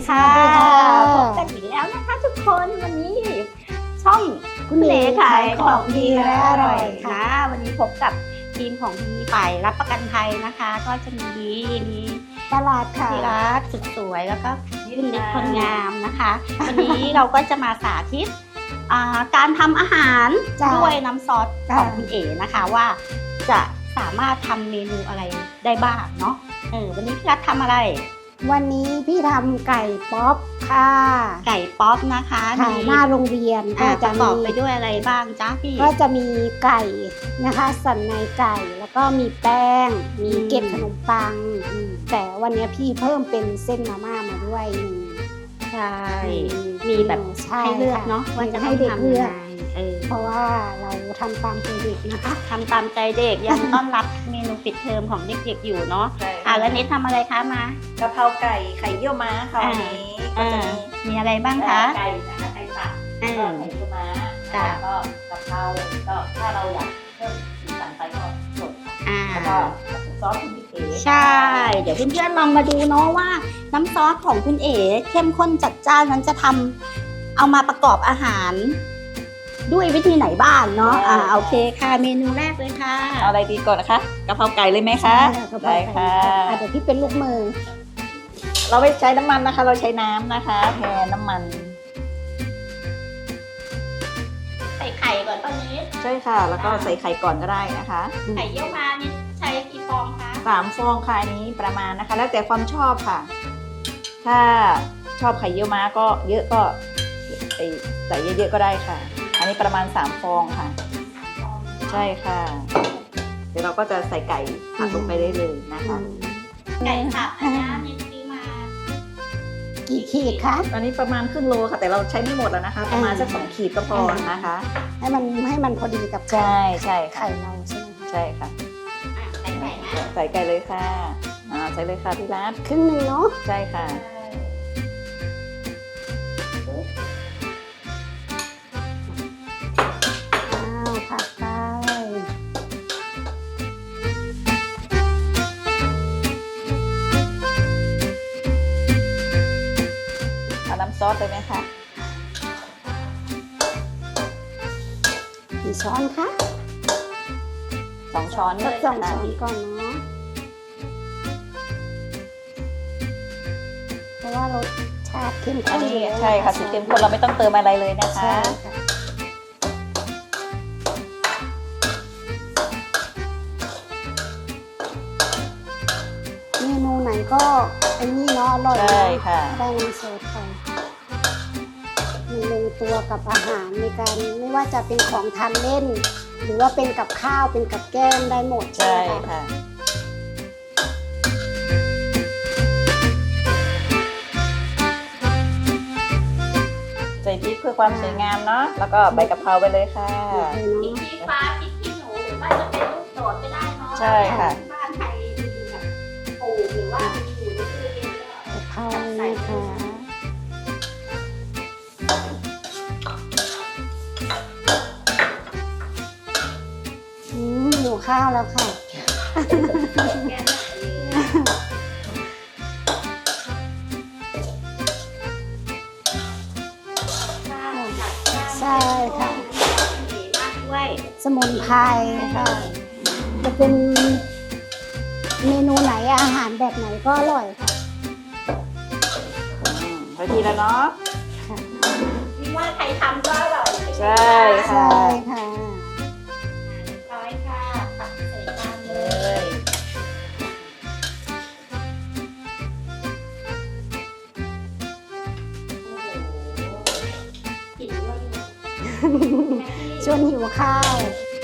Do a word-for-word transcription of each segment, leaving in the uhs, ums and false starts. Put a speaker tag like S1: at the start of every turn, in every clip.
S1: ค่ะพบกันอีกแล้วนะคะทุกคนวันนี้ช่องคุณเอ๋ขายของดีและอร่อยค่ะวันนี้พบกับทีมของมีฝ่ายรับประกันภัยนะคะ ก็จะมีดีมีตลาดค่ะที่รักสุดสวยแล้วก็คุณเล็กคนงามนะคะวันนี้เราก็จะมาสาธิตการทำอาหารด้วยน้ำซอสของคุณเอ๋นะคะว่าจะสามารถทำเมนูอะไรได้บ้างเนาะเออวันนี้พี่รัฐทำอะไร
S2: วันนี้พี่ทำไก่ป๊อปค่ะ
S1: ไก่ป๊อปนะคะ
S2: ค่ะหน้าโรงเรียน
S1: ก็จะประกอบไปด้วยอะไรบ้างจ๊ะพี่
S2: ก็จะมีไก่นะคะสันในไก่แล้วก็มีแป้งมีเกล็ดขนมปังแต่วันนี้พี่เพิ่มเป็นเส้นมาม่ามาด้วย
S1: ใช่มีแบบให้เลือกเนาะว่าจะให้เด็กเลือก
S2: เพราะว่าเราทำตามใจเด็กนะคะ
S1: ทำตามใจเด็กยังต้อนรับเมนูปิดเทอมของเด็กๆอยู่เนาะอ่ะแล้วเนททำอะไรคะมาก
S3: ะเพราไก่ไข่เยี่ยวม้าค่ะวันนี้ก็จะมี
S1: มีอะไรบ้างคะ
S3: ไก่นะคะไก่สับก็ไข่เยี่ยวม้าแล้วก็กะเพราก็ถ้าเราอยากเพิ่มสีสันไปก็สดแล้วก็ซอสคุณพี่เอ๋
S1: ใช่เดี๋ยวเพื่อนๆลองมาดูเนาะว่าน้ำซอสของคุณเอ๋เข้มข้นจัดจ้านนั้นจะทำเอามาประกอบอาหารด้วยวิธีไหนบ้างเนาะอ่าโอเคค่ะเมนูแรกเลยค่ะ
S3: เอาอะไรดีก่อนนะคะกะเพราไก่เลยไหมคะ
S2: ได้ค่ะเดี๋ยวพี่เป็นลูกมือ
S3: เราไม่ใช้น้ำมันนะคะเราใช้น้ำนะคะแทนน้ำมัน
S1: ใส่ไข่ก่อนตอนนี้
S3: ใช่ค่ะแล้วก็ใส่ไข่ก่อนก็ได้นะคะ
S1: ไข่เยี่ยวมานี่ใช้กี่ฟองคะ
S3: สามฟองค่ะนี้ประมาณนะคะแล้วแต่ความชอบค่ะถ้าชอบไข่เยี่ยวม้าก็เยอะก็ใส่เยอะๆก็ได้ค่ะอันนี้ประมาณสามฟองค่ะใช่ค่ะเดี๋ยวเราก็จะใส่ไก่ผัดลงไปได้เลยนะคะ
S1: ไก่ผัดอันนี้มีซื้อมา
S2: กี่ขีดคะ
S3: อันนี้ประมาณครึ่งโลค่ะแต่เราใช้ไม่หมดแล้วนะคะประมาณสักสองขีดก็พอนะคะ
S2: ให้มันให้มันพอดีกับ
S3: ใช่ใช่
S2: ไข่เราใช่ไหม
S3: ใช่ค่ะ
S1: ใส่ไก่นะ
S3: ใส่ไก่เลยค่ะอ่าใส่เลยค่ะพี่รัฐ
S2: ครึ่งหนึ่งเนาะ
S3: ใช่ค่ะ
S2: ผัดไป
S3: เอาน้ำซอสเลยไหมคะ
S2: กี่ช้อนคะ
S3: สองช้อน
S2: สักสองช้อนก่อนเนาะเพราะว่ารสชาติเข้มข้น
S3: ใช่ค่ะสูตรเข้มข้นเราไม่ต้องเติมอะไรเลยนะคะ
S2: เมนูไหนก็ไอ้นี่เนาะอร่อย
S3: ใช่ค่ะ
S2: ได้น้ำซอสไปมันลงตัวกับอาหารในการไม่ว่าจะเป็นของทานเล่นหรือว่าเป็นกับข้าวเป็นกับแก้มได้หมด
S3: ใช่ค่ะใส่พริกเพื่อความสวยงามเนาะแล้วก็ใบกะเพราไปเลยค่ะ
S1: พริกชี้ฟ้าพริกขี้หนูหรือว่าจะเป็นลูกโดดก็ได้เนาะ
S3: ใช่ค่ะ
S1: บ้านใครแบบปลูกหรือว่าอยู่ในตู้เย็นก็
S2: เข้าใส่ค่ะอืมหมูข้าวแล้วค่ะใช่ค่ะสมุนไพรค่ะจะเป็นเมนูไหนอาหารแบบไหนก็อร่อยค่ะ
S3: พอดีแล้วเนาะ
S1: นี่ว่าใครทำก็อร่อย
S3: ใช่ค่ะ
S2: ใช่ค่ะ
S1: ร้อยค่ะตักใส่จานเลย
S2: ชวนหิวข้าว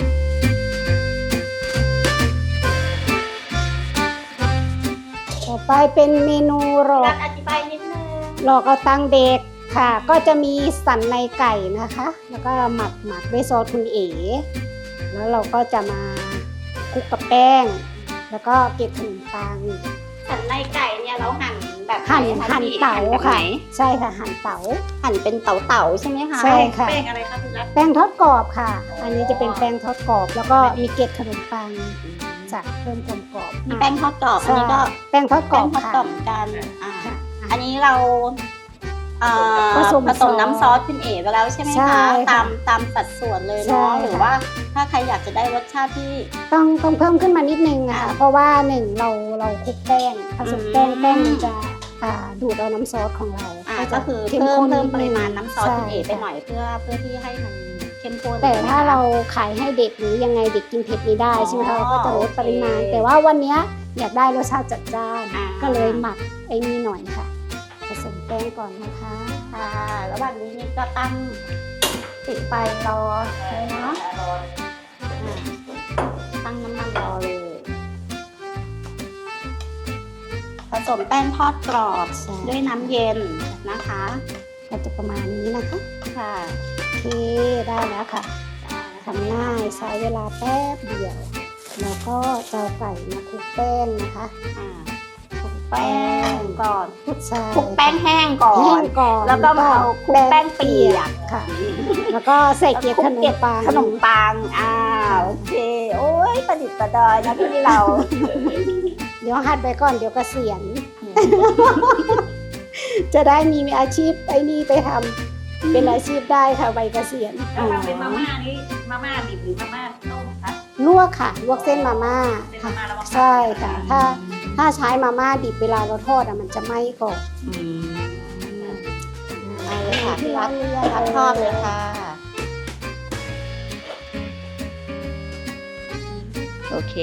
S2: ต่อไปเป็นเมนูหลอก
S1: อธิบายนิดนึง
S2: หลอกเอาตังเด็กค่ะก็จะมีสันในไก่นะคะแล้วก็หมักหมักด้วยซอสคุณเอ๋แล้วเราก็จะมาคลุกกับแป้งแล้วก็เกล็ดขนมปัง
S1: สันในไก่เนี่ยเราหั่นแบบ
S2: หั่นหั่นเต๋าค่ะใช่ค่ะหั่นเต๋า
S1: หั่นเป็นเต๋าเต๋าใช่ไหมคะ
S2: ใช่ค่ะ
S1: แป้งอะไรคะพี่รัฐ
S2: แป้งทอดกรอบค่ะอันนี้จะเป็นแป้งทอดกรอบแล้วก็มีเกล็ดขนมปังจะเพิ่มความกรอบ
S1: มีแป้งทอดกรอบอันนี้ก็
S2: แป้งทอดกรอบ
S1: ค่ะกัน
S2: อา
S1: อันนี้เราเอ่อ
S2: ผสม
S1: ผสม
S2: ซอส
S1: น้ำซอสคุณเอ๋ไปแล้วใช่ไหม
S2: ใช่
S1: คะ
S2: ค่ะ
S1: ตามตามสัดส่วนเลย
S2: ใช่
S1: เนาะ
S2: ค่ะ
S1: หรือว่าถ้าใครอยากจะได้รสชาติที่
S2: ต้องต้องเพิ่มขึ้นมานิดนึงอะค่ะ
S1: อ่า
S2: เพราะว่าหนึ่งเราเราคลุกแป้งผสมแป้ง
S1: อืม
S2: แป้งมันจะอ่าดูดเอาน้ำซอสของเรา
S1: อ่า
S2: จะ
S1: ก็คือ
S2: เข้
S1: เพิ่ม
S2: ข้น
S1: เพิ่ม
S2: นิด
S1: ป
S2: นึ
S1: ริ
S2: ง
S1: มาณน้ำซอสคุณเอ๋ไป
S2: ใช่
S1: หน่อยเพื่อเพื่อที่ให้มันเข้มข้น
S2: แต่ถ้า
S1: นะคะ
S2: เราขายให้เด็กหรือยังไงเด็กกินเผ็ดไม่ได้
S1: อ๋อ
S2: ใช่ไหมคะเราก็จะลดปริมาณ
S1: โอเค
S2: แต่ว่าวันเนี้ยอยากได้รสชาติจัดจ้าน
S1: อ่า
S2: ก็เลยหมักไอ้นี่หน่อยค่ะ ผสมแป้งก่อนนะคะ
S1: ค่ะระหว่างนี้นี่ก็ตั้งปิดไฟรอเลยเนาะอ่าตั้งน้ำมันรอเลย ผสมแป้งทอดกรอบ
S2: ใช่
S1: ด้วยน้ำเย็นนะคะ
S2: ก็จะประมาณนี้นะคะ
S1: ค่ะ
S2: โอเคได้แล้วค่ะทำง่ายใช้เวลาแป๊บเดียว แล้วก็จะเอาไก่มาคลุกแป้งนะคะ
S1: อ่าคลุกแป้งก่อน
S2: ใช่
S1: คลุกแป้งแห้งก่อ
S2: แห้
S1: น
S2: งก่อน
S1: แล้วก็มาเอาคลุกแป้งเปียก
S2: ค่ะ แล้วก็ใส่เกล็ดขนมปัง
S1: ขนมปังอ่าโอเค โอ้ยประดิษฐ์ประดอยนะพี่เรา
S2: เดี๋ยวหัดไปก่อนเดี๋ยวเกษียณ จะได้มีอาชีพไอ้นี่ไปทำเป็นอาชีพได้ค่ะใบเกษียณ
S3: แล้วถ้าเป็นมาม่านี่มาม่าดิบหรือมาม่าต้มคะ
S2: ลวกค่ะลวกเส้นมาม่า
S3: เป็น
S2: ค่ะ
S3: มาม่าแล้วมา
S2: ใช่ค่ะ ถ้าถ้าใช้มาม่าดิบเวลาเราทอดอะมันจะไหม้ก่อน
S1: อืมเอาเลยค่ะ
S2: ที่
S1: พี่
S2: ร้า
S1: รั
S2: น
S1: ก
S2: เรือ
S1: รักทอดเลยค่ะ
S3: โอเค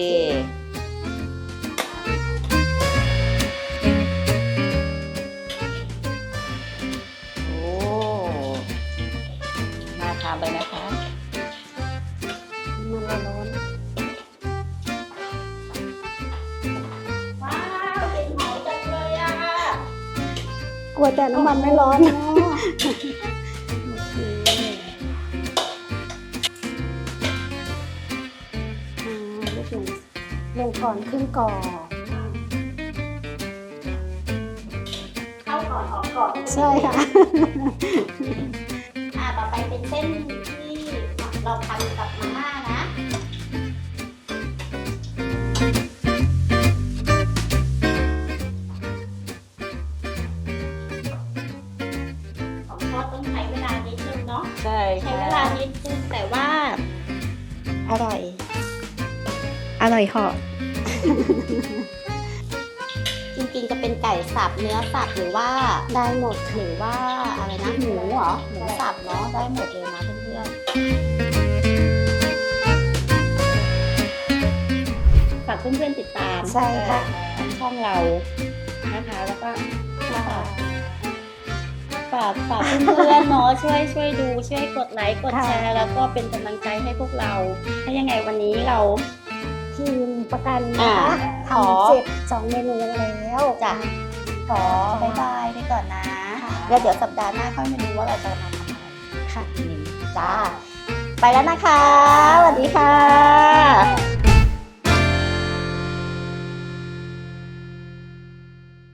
S3: โอ้น่าทานเลยนะคะ
S2: มันร้อน
S1: ว้าวกลิ่นหอมจังเลยอ่ะ
S2: กลัวแต่น้ำมันไม่ร้อนอ่าลูกหนึ่งลงก่อนขึ้นก่อน
S1: เข้าก่อนออกก่อน
S2: ใช่ค่ะ
S1: อ่าต่อไปเป็นเส้นที่เราทำกับมาม่านะ ของทอดต้องใช้เวลานิดนึงเนาะ
S3: ใช่
S1: ใช้
S3: ค่ะ
S1: เวลานิดนึงแต่ว่า อร่อย อร่อยเหาะ จริงๆจะเป็นไก่สับเนื้อสับหรือว่า
S2: ได้หมด
S1: หรือว่าอะไรนะหมูเหรอหมูสับเนาะได้หมดเลยนะเพื่อนๆฝากเพื่อนๆติดตาม
S2: ใช่ค่ะ
S1: ช่องเรานะคะแล้วก็ฝากฝากเพื่อนๆเนาะช่วยช่วยดูช่วยกดไลค์กดแชร์แล้วก็เป็นกำลังใจให้พวกเราถ้ายังไงวันนี้เรา
S2: ทีมประกันนะคะ
S1: อ่าขอ
S2: ทำเสร็จสองเมนูแล้ว
S1: จะขอบายบายไปก่อนนะแล้วเดี๋ยวสัปดาห์หน้าค่อยมาดูว่าเราจะมาทำอะไร
S2: ค่ะ
S1: จ้า ไปแล้วนะคะ สวัสดีค่ะ